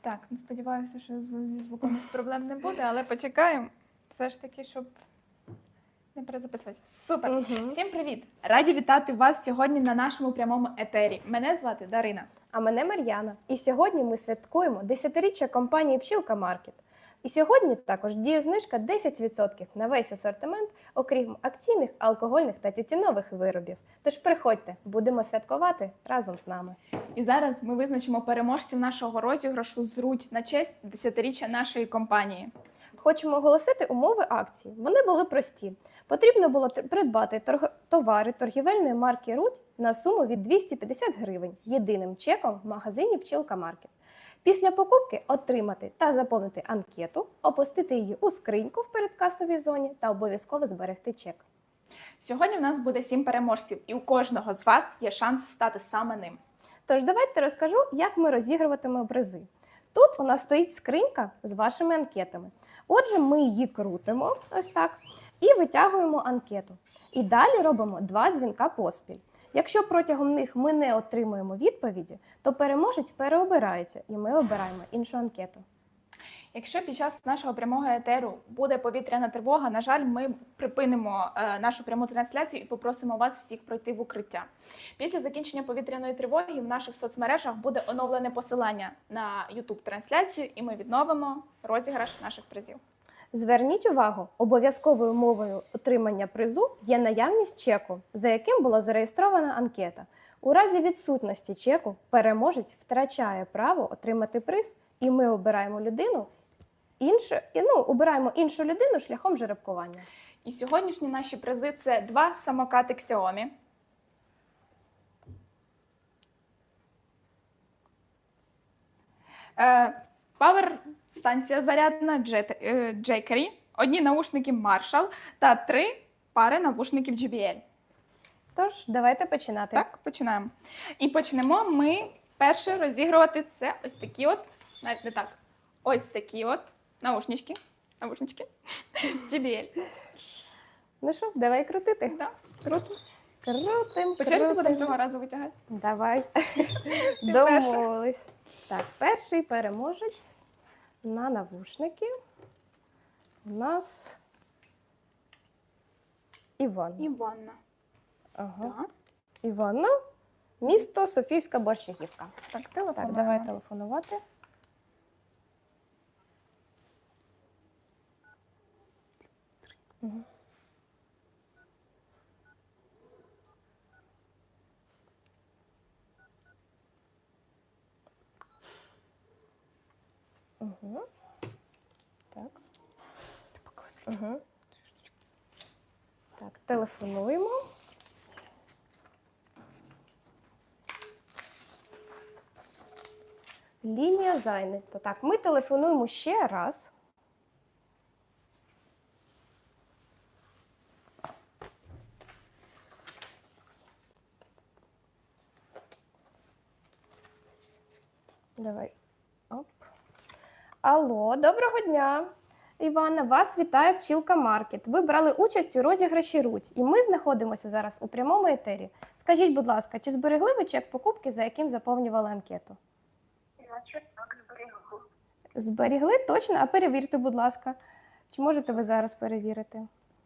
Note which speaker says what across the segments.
Speaker 1: Так, ну сподіваюся, що зі звуком проблем не буде, але почекаємо. Все ж таки, щоб не перезаписувати. Супер! Всім привіт! Раді вітати вас сьогодні на нашому прямому етері. Мене звати Дарина.
Speaker 2: А мене Мар'яна. І сьогодні ми святкуємо 10-річчя компанії «Пчілка Маркет». І сьогодні також діє знижка 10% на весь асортимент, окрім акційних, алкогольних та тютюнових виробів. Тож приходьте, будемо святкувати разом з нами.
Speaker 1: І зараз ми визначимо переможців нашого розіграшу «Зруть» на честь 10-річчя нашої компанії.
Speaker 2: Хочемо оголосити умови акції. Вони були прості. Потрібно було придбати товари торгівельної марки «Руть» на суму від 250 гривень єдиним чеком в магазині «Пчілка Маркет». Після покупки отримати та заповнити анкету, опустити її у скриньку в передкасовій зоні та обов'язково зберегти чек.
Speaker 1: Сьогодні в нас буде 7 переможців, і у кожного з вас є шанс стати саме ним.
Speaker 2: Тож давайте розкажу, як ми розігруватимемо призи. Тут у нас стоїть скринька з вашими анкетами. Отже, ми її крутимо, ось так, і витягуємо анкету. І далі робимо 2 дзвінка поспіль. Якщо протягом них ми не отримуємо відповіді, то переможець переобирається і ми обираємо іншу анкету.
Speaker 1: Якщо під час нашого прямого етеру буде повітряна тривога, на жаль, ми припинимо нашу пряму трансляцію і попросимо вас всіх пройти в укриття. Після закінчення повітряної тривоги в наших соцмережах буде оновлене посилання на YouTube-трансляцію і ми відновимо розіграш наших призів.
Speaker 2: Зверніть увагу, обов'язковою умовою отримання призу є наявність чеку, за яким була зареєстрована анкета. У разі відсутності чеку переможець втрачає право отримати приз, і ми обираємо іншу людину шляхом жеребкування.
Speaker 1: І сьогоднішні наші призи – це 2 самокати Xiaomi, павер-станція зарядна Jackery, 1 наушники Marshall та 3 пари навушників JBL.
Speaker 2: Тож, давайте починати.
Speaker 1: Так, починаємо. І почнемо ми перше розігрувати це ось такі от, навіть не так, ось такі от наушнички JBL.
Speaker 2: Ну що, давай крутити.
Speaker 1: Так, круто.
Speaker 2: Крутим.
Speaker 1: По черзі будемо цього разу витягати.
Speaker 2: Давай. Домовились. Так, перший переможець на навушники у нас Іван.
Speaker 1: Іванна.
Speaker 2: Ага.
Speaker 1: Так.
Speaker 2: Іванна, місто Софіївська Борщагівка.
Speaker 1: Так, телефон.
Speaker 2: Так, давай телефонувати. Угу. Угу. Так. Угу. Так, телефонуємо. Лінія зайнята. Так, ми телефонуємо ще раз. Давай. Оп. Алло, доброго дня. Івана, вас вітає «Пчілка Маркет». Ви брали участь у розіграші «Руть», і ми знаходимося зараз у прямому етері. Скажіть, будь ласка, чи зберегли ви чек покупки, за яким заповнювали анкету?
Speaker 3: Так, зберігу.
Speaker 2: Зберігли? Точно? А перевірте, будь ласка. Чи можете ви зараз перевірити?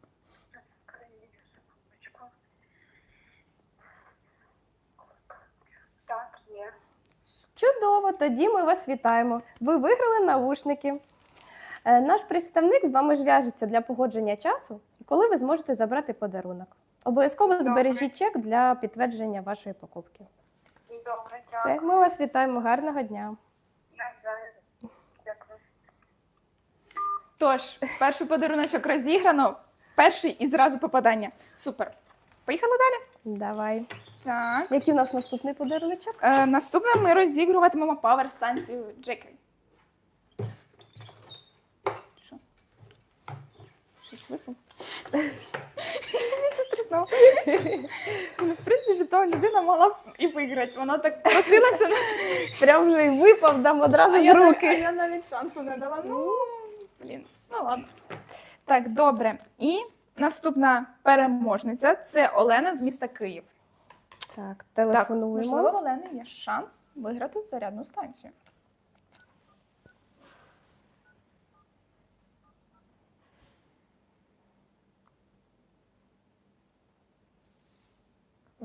Speaker 3: Так, є.
Speaker 2: Чудово, тоді ми вас вітаємо. Ви виграли навушники. Наш представник з вами зв'яжеться для погодження часу, коли ви зможете забрати подарунок. Обов'язково збережіть чек для підтвердження вашої покупки.
Speaker 3: Добре,
Speaker 2: Все,
Speaker 3: дякую.
Speaker 2: ми вас вітаємо. Гарного дня.
Speaker 3: Дякую.
Speaker 1: Тож, перший подаруночок розіграно, перший і зразу попадання. Супер. Поїхали далі?
Speaker 2: Давай.
Speaker 1: Так.
Speaker 2: Який у нас наступний подаруночок?
Speaker 1: Наступне ми розігруватимемо павер-станцію Jackery. Що? Щось випав? Це стрісно. Ну, в принципі, то людина могла б і виграти. Вона так просилася.
Speaker 2: Прям вже і випав, дам одразу в
Speaker 1: А
Speaker 2: руки.
Speaker 1: я навіть шансу не дала. Ну, блін, ну ладно. Так, добре. І наступна переможниця – це Олена з міста Київ.
Speaker 2: Так,
Speaker 1: Так,
Speaker 2: телефонуємо.
Speaker 1: можливо, в Олени є шанс виграти зарядну станцію.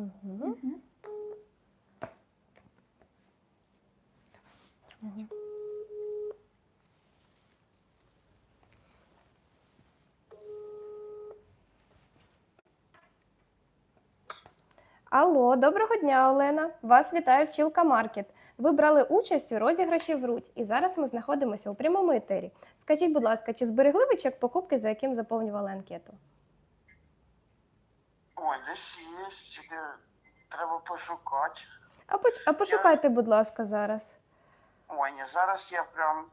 Speaker 2: Угу. Алло, доброго дня, Олена. Вас вітає Пчілка Маркет. Ви брали участь у розіграші в Рудь, і зараз ми знаходимося у прямому етері. Скажіть, будь ласка, чи зберегли ви чек покупки, за яким заповнювали анкету?
Speaker 4: Ой, десь є, тільки треба пошукати.
Speaker 2: А пошукайте, будь ласка, зараз.
Speaker 4: Ой, ні, зараз я прям.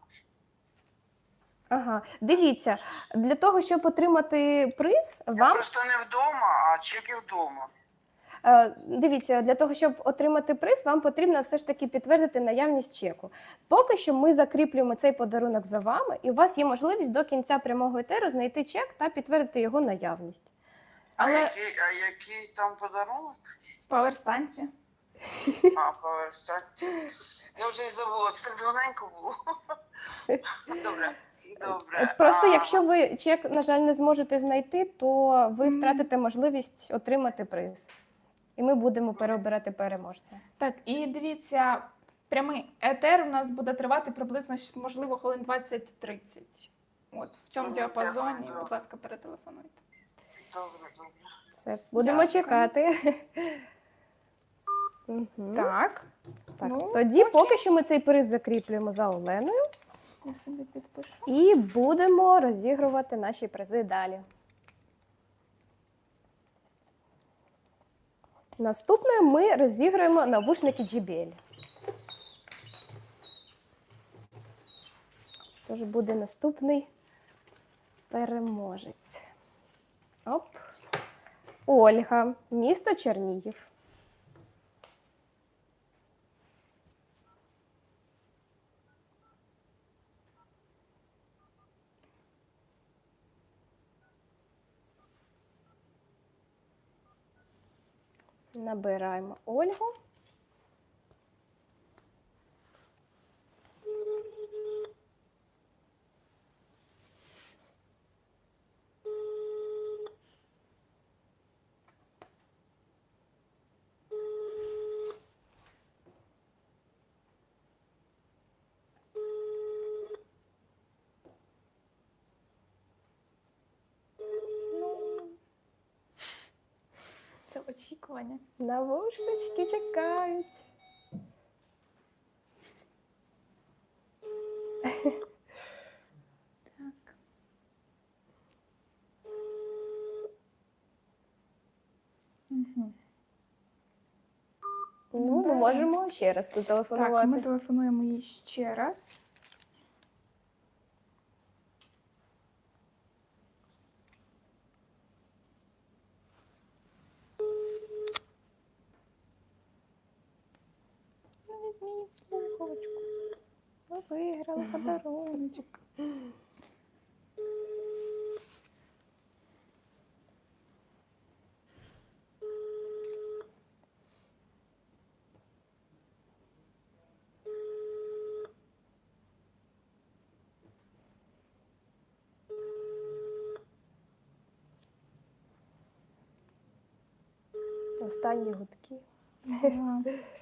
Speaker 2: Ага, дивіться, для того, щоб отримати приз,
Speaker 4: Я
Speaker 2: вам
Speaker 4: просто не вдома, а чеки вдома.
Speaker 2: Дивіться, для того, щоб отримати приз, вам потрібно все ж таки підтвердити наявність чеку. Поки що ми закріплюємо цей подарунок за вами, і у вас є можливість до кінця прямого етеру знайти чек та підтвердити його наявність.
Speaker 1: Але
Speaker 4: Який там подарунок?
Speaker 1: паверстанція.
Speaker 4: А, поверстати. Я вже й забула, це так давненько було. Добре. Добре.
Speaker 2: Просто якщо ви чек, на жаль, не зможете знайти, то ви втратите можливість отримати приз. І ми будемо переобирати переможця.
Speaker 1: Так, і дивіться, прямий етер у нас буде тривати приблизно, можливо, хвилин 20-30. От, в цьому діапазоні,
Speaker 4: Дякую.
Speaker 1: будь ласка, перетелефонуйте.
Speaker 4: Добре.
Speaker 2: Все, будемо
Speaker 1: Дякую.
Speaker 2: чекати. Мгм.
Speaker 1: Так,
Speaker 2: Так,
Speaker 1: ну,
Speaker 2: тоді
Speaker 1: окей.
Speaker 2: поки що ми цей приз закріплюємо за Оленою
Speaker 1: Я собі підпишу.
Speaker 2: і будемо розігрувати наші призи далі. Наступною ми розіграємо навушники JBL. Тож буде наступний переможець. Оп. Ольга, місто Чернігів. Набираємо Ольгу.
Speaker 1: Це очікування.
Speaker 2: Навушнички чекають.
Speaker 1: Так. Угу.
Speaker 2: Ну, ми можемо ще раз
Speaker 1: Так,
Speaker 2: зателефонувати.
Speaker 1: ми телефонуємо їй ще раз. Ну, візьміть слухавочку. Ви виграли подаруночок.
Speaker 2: Останні гудки.
Speaker 1: Ага.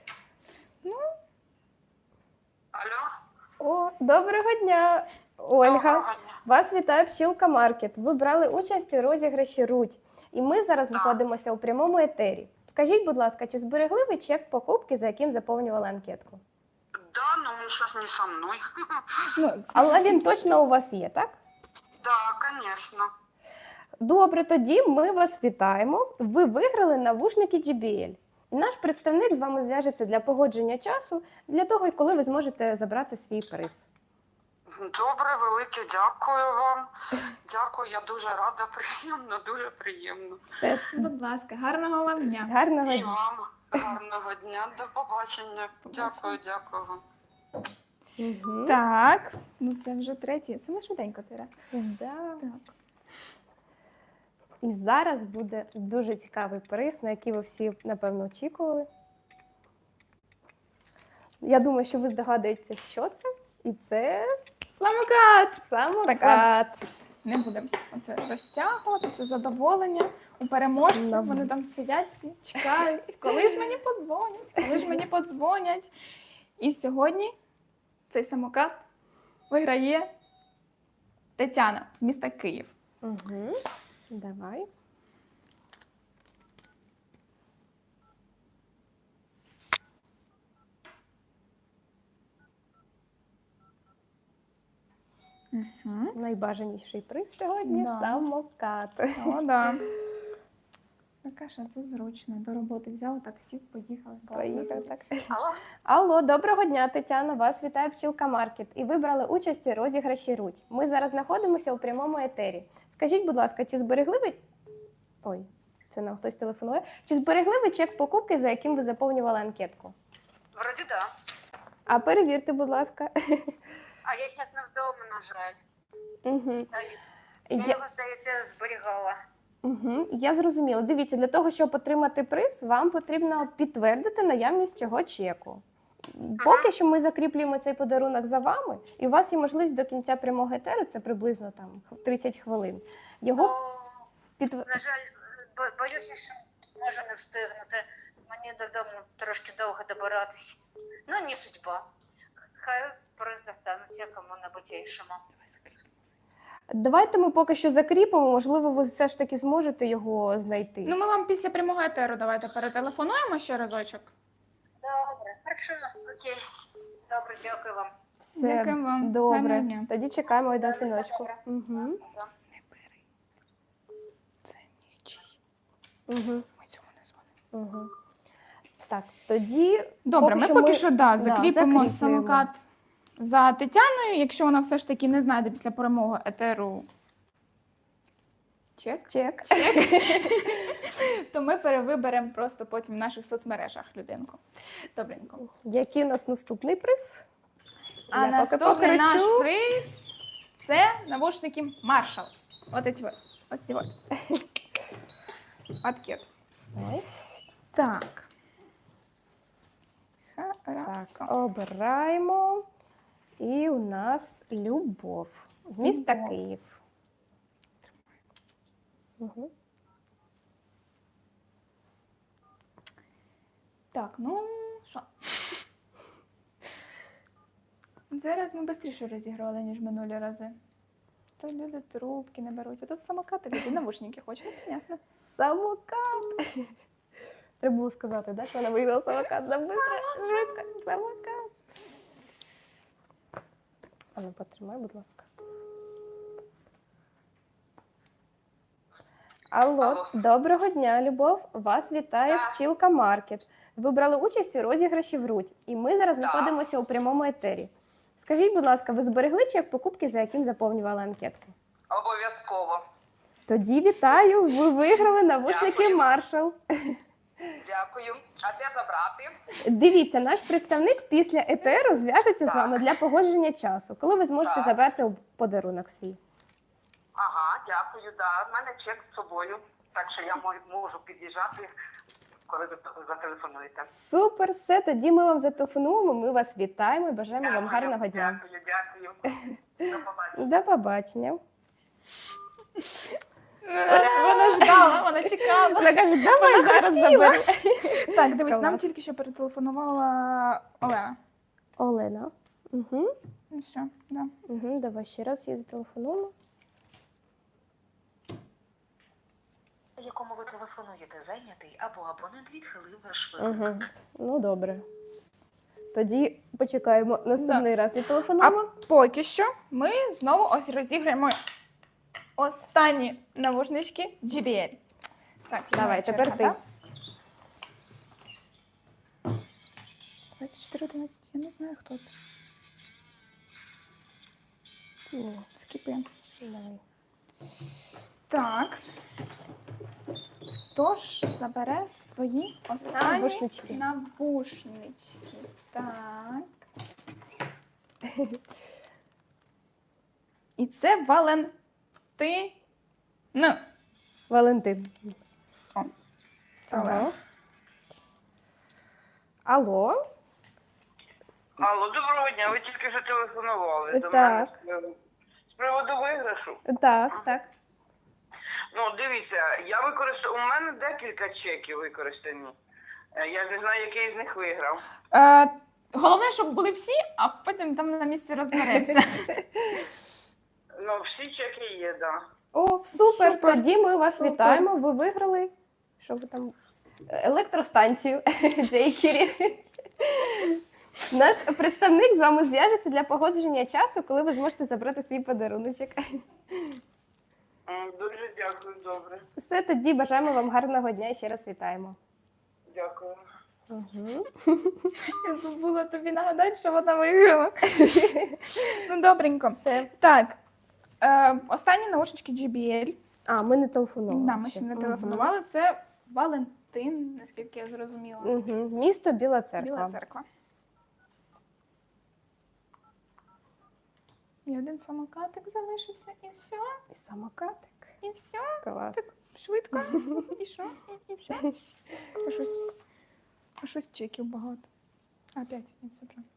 Speaker 4: Алло?
Speaker 2: О, доброго дня, Ольга.
Speaker 4: Доброго дня.
Speaker 2: Вас вітає Пчілка Маркет. Ви брали участь у розіграші Рудь. І ми зараз знаходимося у прямому етері. Скажіть, будь ласка, чи зберегли ви чек покупки, за яким заповнювали анкетку?
Speaker 4: Да, но он сейчас не со мной.
Speaker 1: Ну,
Speaker 2: Але він точно у вас є, так?
Speaker 4: Да, конечно.
Speaker 2: Добре, тоді ми вас вітаємо. Ви виграли навушники JBL. І наш представник з вами зв'яжеться для погодження часу, для того, коли ви зможете забрати свій приз.
Speaker 4: Добре, велике дякую вам. Дякую, я дуже рада, приємно, дуже приємно.
Speaker 2: Все,
Speaker 1: будь ласка, гарного вам дня.
Speaker 2: гарного
Speaker 4: І
Speaker 2: дня.
Speaker 4: вам гарного дня, до побачення. Дякую, дякую вам.
Speaker 2: Мгм.
Speaker 1: Так, ну це вже третій. Це ми швиденько цей раз.
Speaker 2: Да.
Speaker 1: Так.
Speaker 2: І зараз буде дуже цікавий приз, на який ви всі, напевно, очікували. Я думаю, що ви здогадуєтеся, що це. І це
Speaker 1: Самокат!
Speaker 2: самокат.
Speaker 1: Не будемо це розтягувати, це задоволення. у переможців.
Speaker 2: Ну.
Speaker 1: Вони там сидять всі, чекають, коли ж мені подзвонять, коли ж мені подзвонять. І сьогодні цей самокат виграє Тетяна з міста Київ.
Speaker 2: Угу. Давай.
Speaker 1: Угу.
Speaker 2: Найбажаніший приз сьогодні
Speaker 1: Да.
Speaker 2: самокат.
Speaker 1: О, да. Така ж це зручно. До роботи взяли, так сів, поїхали. Класно.
Speaker 2: Поїхав так.
Speaker 4: Алло?
Speaker 2: Алло, доброго дня, Тетяна. Вас вітає Пчілка Маркет. І ви брали участь у розіграші Руть. Ми зараз знаходимося у прямому етері. Скажіть, будь ласка, чи зберегли ви... Ой, це нам хтось телефонує. Чи зберегли ви чек покупки, за яким ви заповнювали анкетку?
Speaker 4: Вроді да.
Speaker 2: А перевірте, будь ласка.
Speaker 4: А я зараз не вдома, на жаль.
Speaker 2: Угу.
Speaker 4: Я
Speaker 2: Я...
Speaker 4: його, здається, зберігала.
Speaker 2: Угу. Я зрозуміла. Дивіться, для того, щоб отримати приз, вам потрібно підтвердити наявність цього чеку. Поки що ми закріплюємо цей подарунок за вами, і у вас є можливість до кінця прямого етеру, це приблизно там 30 хвилин. Його підтвердити.
Speaker 4: На жаль, боюся, що можу не встигнути. Мені додому трошки довго добиратись. Ну, не судьба. Хай приз достанеться кому-небудь іншому.
Speaker 2: Давайте ми поки що закріпимо, можливо, ви все ж таки зможете його знайти.
Speaker 1: Ну, ми вам після прямого етеру давайте перетелефонуємо ще разочок.
Speaker 4: Добре, хорошо, окей. Добре, дякую вам.
Speaker 2: Все
Speaker 1: Дякую вам.
Speaker 2: добре.
Speaker 1: Гарного дня.
Speaker 2: Тоді чекаємо до
Speaker 4: Добре, все
Speaker 2: дзвіночку.
Speaker 4: добре.
Speaker 2: Угу.
Speaker 4: Да.
Speaker 1: Не бери. Це нічий.
Speaker 2: Угу.
Speaker 1: Ми цьому не дзвонимо.
Speaker 2: Угу. Так, тоді
Speaker 1: Добре,
Speaker 2: Поки
Speaker 1: ми
Speaker 2: що
Speaker 1: поки
Speaker 2: ми-
Speaker 1: що закріпимо
Speaker 2: закріплюємо.
Speaker 1: самокат за Тетяною. Якщо вона все ж таки не знайде після перемоги етеру чек,
Speaker 2: чек.
Speaker 1: то ми перевиберемо просто потім в наших соцмережах людинку. Добренько.
Speaker 2: Який у нас наступний приз?
Speaker 1: А
Speaker 2: Я поки
Speaker 1: наступний наш
Speaker 2: покричу.
Speaker 1: приз – це навушники Marshall. От эти вот. От ці от. Пакет.
Speaker 2: Ой.
Speaker 1: Так.
Speaker 2: Так,
Speaker 1: Хорошо.
Speaker 2: обираємо. І у нас Любов. Місто
Speaker 1: Любов.
Speaker 2: Київ. Угу.
Speaker 1: Так, ну що? Зараз ми швидше розігрували, ніж минулі рази. То люди трубки не беруть, а тут самокати люди навушники хочуть. Ну, понятно.
Speaker 2: Самокат. Треба було сказати, да, що вона виграла самокат. Нам быстро, швидко, самокат. А ну, потримай, будь ласка. Алло,
Speaker 4: Алло.
Speaker 2: доброго дня, Любов. Вас вітає
Speaker 4: Так.
Speaker 2: Пчілка Маркет. Ви брали участь у розіграші в Руть, і ми зараз
Speaker 4: Так.
Speaker 2: знаходимося у прямому етері. Скажіть, будь ласка, ви зберегли чек покупки, за яким заповнювали анкетку?
Speaker 4: Обов'язково.
Speaker 2: Тоді вітаю, ви виграли навушники
Speaker 4: Дякую.
Speaker 2: Marshall.
Speaker 4: Дякую. А де забрати?
Speaker 2: Дивіться, наш представник після етеру зв'яжеться з
Speaker 4: Так.
Speaker 2: вами для погодження часу, коли ви зможете
Speaker 4: Так.
Speaker 2: забрати подарунок свій.
Speaker 4: Ага, дякую, да. В мене чек з собою. Так що я можу під'їжджати, коли ви зателефонуєте.
Speaker 2: Супер, все, тоді ми вам зателефонуємо, ми вас вітаємо і бажаємо вам гарного дня.
Speaker 4: Дякую. До побачення.
Speaker 2: До побачення.
Speaker 1: Вона ждала, вона чекала.
Speaker 2: Вона каже, давай зараз заберу.
Speaker 1: Так, дивись, нам
Speaker 2: Клас.
Speaker 1: тільки що перетелефонувала Олена.
Speaker 2: Олена. Угу.
Speaker 1: Ну все, да.
Speaker 2: Угу, давай ще раз її зателефонуємо.
Speaker 5: Якому ви телефонуєте, зайнятий або абонент відхилив ваш виклик.
Speaker 2: Угу. Ну, добре. Тоді почекаємо наступний раз
Speaker 1: А
Speaker 2: зателефонуємо.
Speaker 1: поки що ми знову ось розіграємо останні навушнички JBL. Так,
Speaker 2: Давай,
Speaker 1: черга,
Speaker 2: тепер ти.
Speaker 1: да? 24-11, я не знаю, хто це.
Speaker 2: Ні,
Speaker 1: Скіпи.
Speaker 2: давай.
Speaker 1: Так. Тож забере свої останні
Speaker 2: Навушнички.
Speaker 1: навушнички. Так. І це Валентин.
Speaker 2: Валентин.
Speaker 1: Це
Speaker 2: Ага.
Speaker 1: Олена.
Speaker 2: Алло.
Speaker 6: Алло, доброго дня. Ви тільки що телефонували до
Speaker 2: Так.
Speaker 6: мене з приводу виграшу.
Speaker 2: Так, так.
Speaker 6: Ну, дивіться, у мене декілька чеків використані. Я ж не знаю, який з них виграв.
Speaker 1: Головне, щоб були всі, а потім там на місці розберемося.
Speaker 6: Ну, всі чеки є, так. Да.
Speaker 2: О, супер!
Speaker 1: Супер.
Speaker 2: Тоді ми вас
Speaker 1: Супер.
Speaker 2: вітаємо. Ви виграли. Що ви там? Електростанцію Джейкері. Наш представник з вами зв'яжеться для погодження часу, коли ви зможете забрати свій подаруночок.
Speaker 6: Дуже дякую, добре.
Speaker 2: Все, тоді бажаємо вам гарного дня і ще раз вітаємо.
Speaker 6: Дякую.
Speaker 2: Угу.
Speaker 1: Я забула тобі нагадати, що вона виграла. Ну, добренько.
Speaker 2: Все.
Speaker 1: Так, останні наушнички JBL.
Speaker 2: А, ми не телефонували.
Speaker 1: Да, ми ще не телефонували. Це Валентин, наскільки я зрозуміла.
Speaker 2: Угу. Місто Біла Церква.
Speaker 1: Біла церква. І один самокатик залишився, і все,
Speaker 2: І самокатик.
Speaker 1: і все.
Speaker 2: Клас.
Speaker 1: Швидко. І що? І все. А щось чеків багато. Опять, я все правильно.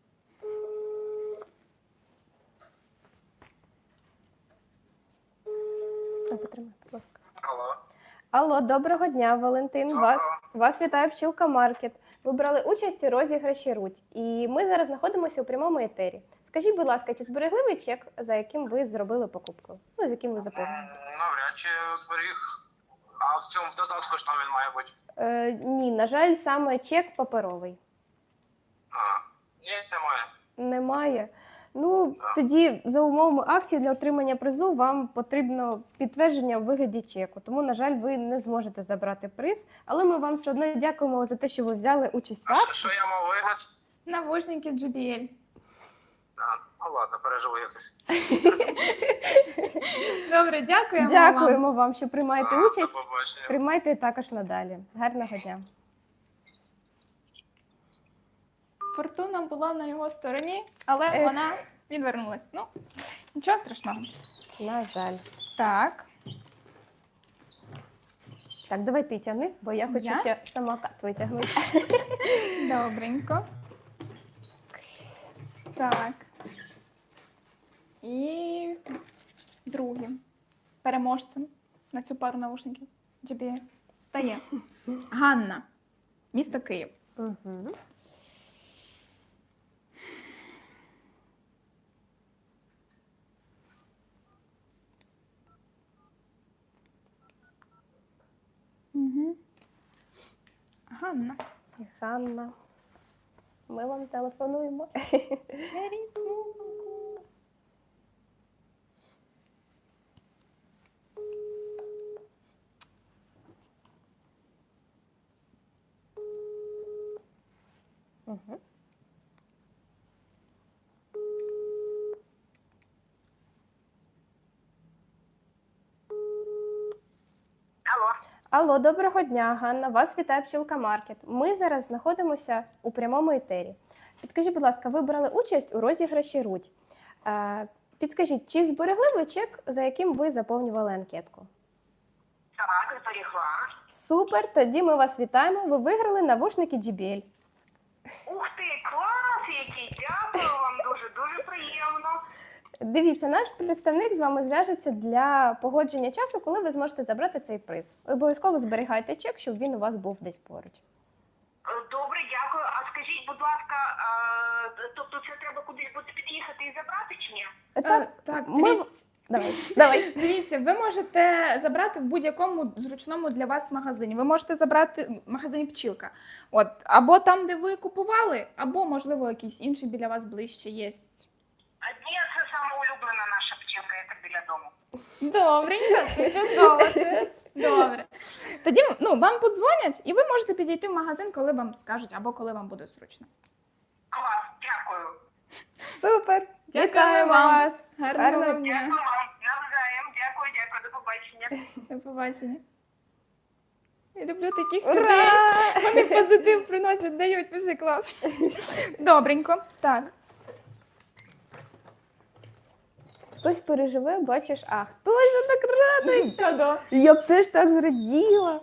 Speaker 2: Потримай, будь ласка.
Speaker 7: Алло.
Speaker 2: Алло, доброго дня, Валентин.
Speaker 7: Доброго.
Speaker 2: Вас вітає Пчілка Маркет. Ви брали участь у розіграші Руть. І ми зараз знаходимося у прямому етері. Скажіть, будь ласка, чи зберегли ви чек, за яким ви зробили покупку? Ну, з яким ви заповнили?
Speaker 7: Навряд чи зберіг. А в цьому додатку ж там він має бути.
Speaker 2: Ні, на жаль, саме чек паперовий.
Speaker 7: Ні, немає.
Speaker 2: Немає. Ну, тоді за умовами акції для отримання призу вам потрібно підтвердження у вигляді чеку. Тому, на жаль, ви не зможете забрати приз. Але ми вам все одно дякуємо за те, що ви взяли участь в
Speaker 7: А
Speaker 2: акції.
Speaker 7: що я мав виграти?
Speaker 1: Навушники JBL.
Speaker 7: Ну ладно, переживу якось.
Speaker 1: Добре, дякуємо вам.
Speaker 2: Дякуємо вам, що приймаєте
Speaker 7: До
Speaker 2: участь.
Speaker 7: побачення.
Speaker 2: Приймайте також надалі. Гарного дня.
Speaker 1: Фортуна була на його стороні, але
Speaker 2: Ех.
Speaker 1: вона відвернулась. Ну, нічого страшного.
Speaker 2: На жаль.
Speaker 1: Так.
Speaker 2: Так, давай ти тягни, бо я хочу
Speaker 1: Я?
Speaker 2: ще самокат витягнути.
Speaker 1: Добренько. Так. І другим переможцем на цю пару навушників JBL стає Ганна, місто Київ.
Speaker 2: Угу.
Speaker 1: Угу. Ганна.
Speaker 2: Ганна. Ми вам телефонуємо.
Speaker 1: Беріть трубку.
Speaker 2: Угу.
Speaker 3: Алло.
Speaker 2: Алло, доброго дня, Ганна. Вас вітає Пчілка Маркет. Ми зараз знаходимося у прямому етері. Підкажіть, будь ласка, ви брали участь у розіграші Руть. Підкажіть, чи зберегли ви чек, за яким ви заповнювали анкетку?
Speaker 3: Так, зберігла.
Speaker 2: Супер, тоді ми вас вітаємо. Ви виграли навушники JBL.
Speaker 3: Ух ти, клас який! Дякую вам дуже приємно.
Speaker 2: Дивіться, наш представник з вами зв'яжеться для погодження часу, коли ви зможете забрати цей приз. Обов'язково зберігайте чек, щоб він у вас був десь поруч.
Speaker 3: Добре, дякую. А скажіть, будь ласка, тобто це треба кудись буде під'їхати і забрати чи ні?
Speaker 1: Так,
Speaker 2: ми...
Speaker 1: дивіться.
Speaker 2: Давай.
Speaker 1: Дивіться, ви можете забрати в будь-якому зручному для вас магазині. Ви можете забрати в магазині Пчілка. От, або там, де ви купували, або, можливо, якийсь інший біля вас ближче є.
Speaker 3: Ні, це саме улюблена наша пчілка, яка біля дому.
Speaker 1: Добренько, це чудово, це добре. Тоді вам подзвонять, і ви можете підійти в магазин, коли вам скажуть, або коли вам буде зручно.
Speaker 3: Клас, дякую.
Speaker 2: Супер!
Speaker 1: Дякую
Speaker 2: Вітаємо
Speaker 1: вам.
Speaker 2: вас!
Speaker 1: Гарного
Speaker 2: Гарного
Speaker 1: дня.
Speaker 3: Дякую вам. Навзаєм. Дякую, до побачення.
Speaker 1: До побачення. Я люблю таких людей.
Speaker 2: Ура!
Speaker 1: Вони позитив приносять, дають, дуже клас. Добренько. Так.
Speaker 2: Хтось переживе, бачиш, а хтось так радується.
Speaker 1: Да.
Speaker 2: Я б теж так зраділа.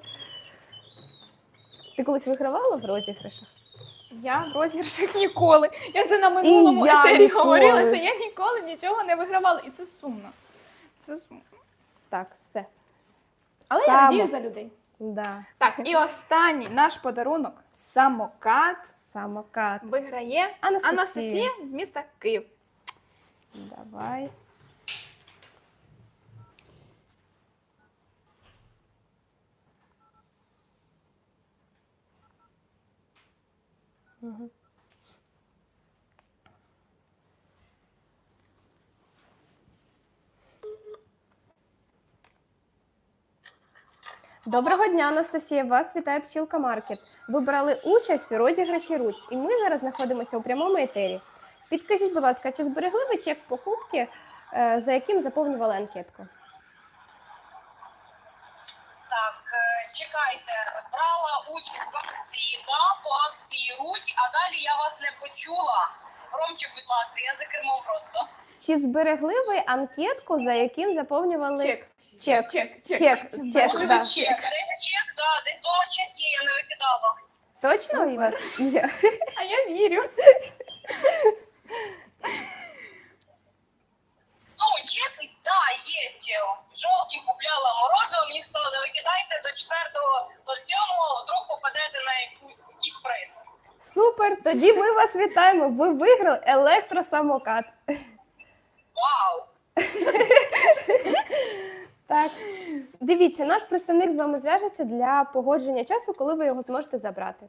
Speaker 2: Ти колись вигравала в розіграшах?
Speaker 1: Я в розіграшах ніколи. Я це на минулому
Speaker 2: я
Speaker 1: етері
Speaker 2: ніколи.
Speaker 1: говорила, що я ніколи нічого не вигравала. І це сумно. Це сумно.
Speaker 2: Так, все.
Speaker 1: Але я радію за людей.
Speaker 2: Да.
Speaker 1: Так, і останній наш подарунок самокат
Speaker 2: Самокат.
Speaker 1: виграє
Speaker 2: Анастасія.
Speaker 1: Анастасія з міста Київ.
Speaker 2: Давай. Мгм. Доброго дня, Анастасія. Вас вітає Пчілка Маркет. Ви брали участь у розіграші Руть, і ми зараз знаходимося у прямому етері. Підкажіть, будь ласка, чи зберегли ви чек покупки, за яким заповнювали анкетку?
Speaker 8: Так, чекайте, брала участь в акції, да, по акції Руть, а далі я вас не почула. Ромчик, будь ласка, я за кермом просто.
Speaker 2: Чи зберегли ви анкетку, за яким заповнювали
Speaker 1: Чек.
Speaker 2: чек?
Speaker 1: Чек.
Speaker 2: Чек,
Speaker 8: Може,
Speaker 2: да.
Speaker 8: чек, десь чек, да, десь дома чек є, я не викидала.
Speaker 2: Точно у вас є?
Speaker 1: А я вірю.
Speaker 8: Ну, чек, да, є. Жовтий купляла морозиво, мені сказали, не викидайте до 4-го, до 7-го, вдруг попадете на якийсь приз.
Speaker 2: Супер! Тоді ми вас вітаємо. Ви виграли електросамокат.
Speaker 8: Вау!
Speaker 2: Так. Дивіться, наш представник з вами зв'яжеться для погодження часу, коли ви його зможете забрати.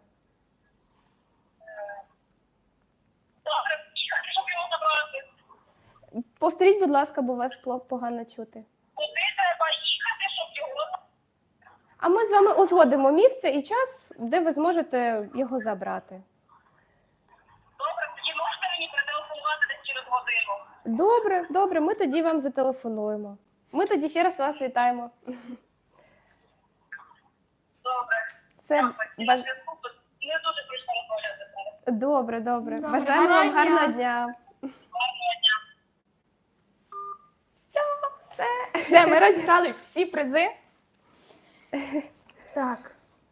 Speaker 8: Добре, щоб його забрати.
Speaker 2: Повторіть, будь ласка, бо вас погано чути.
Speaker 8: Куди треба їхати, щоб його...
Speaker 2: А ми з вами узгодимо місце і час, де ви зможете його забрати.
Speaker 8: Добре, тоді можете мені перетелефонувати десь через годину.
Speaker 2: Добре, добре, ми тоді вам зателефонуємо. Ми тоді ще раз вас вітаємо.
Speaker 8: Добре.
Speaker 2: Все,
Speaker 8: На зв'язку, бо не дуже прийшло розмовляти зараз.
Speaker 2: добре, добре.
Speaker 1: Добре,
Speaker 2: Бажаємо вам
Speaker 1: гарного
Speaker 2: гарного
Speaker 1: дня.
Speaker 2: дня.
Speaker 8: Гарного дня.
Speaker 1: Все, ми розіграли всі призи. Так.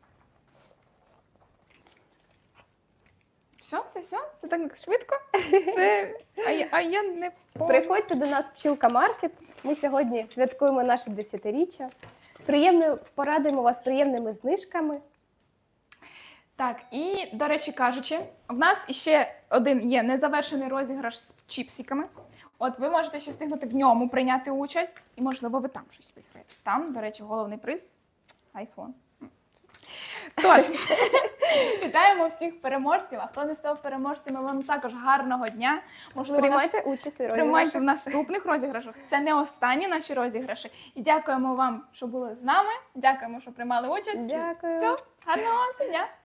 Speaker 1: Що? Це все? Це так швидко? Це... А я не помню.
Speaker 2: Приходьте до нас в Пчілка Маркет. Ми сьогодні святкуємо наше 10-річчя. Порадуємо вас приємними знижками.
Speaker 1: Так, і, до речі кажучи, в нас іще один є незавершений розіграш з чіпсиками. От ви можете ще встигнути в ньому прийняти участь, і, можливо, ви там щось виграєте. Там, до речі, головний приз – айфон. Тож, вітаємо всіх переможців, а хто не став переможцями, вам також гарного дня. Можливо,
Speaker 2: Приймайте участь у
Speaker 1: приймайте в
Speaker 2: розіграшах.
Speaker 1: наступних розіграшах. Це не останні наші розіграші. І дякуємо вам, що були з нами. Дякуємо, що приймали участь.
Speaker 2: Дякую.
Speaker 1: Все, гарного вам дня.